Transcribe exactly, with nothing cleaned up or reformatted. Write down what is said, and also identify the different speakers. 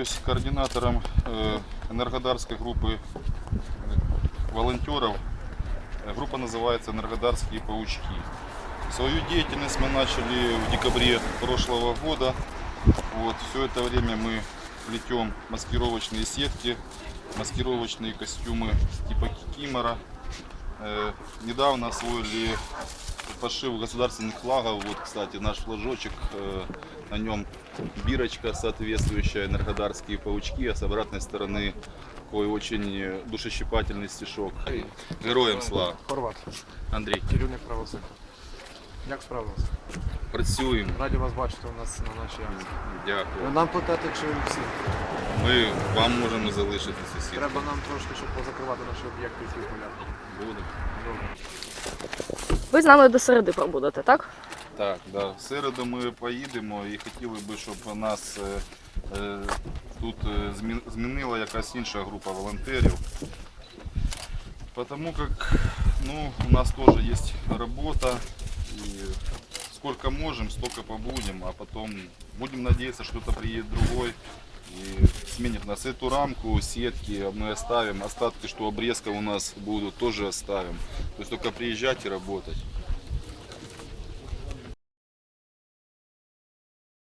Speaker 1: являюсь координатором Энергодарской группы волонтеров. Группа называется «Энергодарские паучки». Свою деятельность мы начали в декабре прошлого года. Вот, все это время мы плетем маскировочные сетки, маскировочные костюмы типа кикимора. Э, недавно освоили пошив государственных флагов. Вот, кстати, наш флажочек, э, на нем бирочка соответствующая, энергодарские паучки, а с обратной стороны такой очень душещипательный стишок. Героям слава.
Speaker 2: Хорват,
Speaker 1: Андрій.
Speaker 2: керівник правосуддя. Як справилися?
Speaker 1: Працюємо.
Speaker 2: Раді вас бачити у нас на нашій акції.
Speaker 1: Дякую.
Speaker 2: Нам платити чи всі?
Speaker 1: Ми вам можемо залишити сусід.
Speaker 2: Треба нам трошки, щоб позакривати наші об'єкти і свій поля.
Speaker 1: Буде.
Speaker 2: Добре.
Speaker 3: Ви з нами до середи пробудете, так?
Speaker 1: Так, да. В середу ми поїдемо і хотіли би, щоб нас е, е, тут е, змін- змінила якась інша група волонтерів. Потому как ну, у нас тоже есть работа. И сколько можем, столько побудем, а потом будем надеяться, что кто-то приедет другой и сменит нас. Эту рамку, сетки мы оставим, остатки, что обрезка у нас будут, тоже оставим. То есть только приезжать и работать.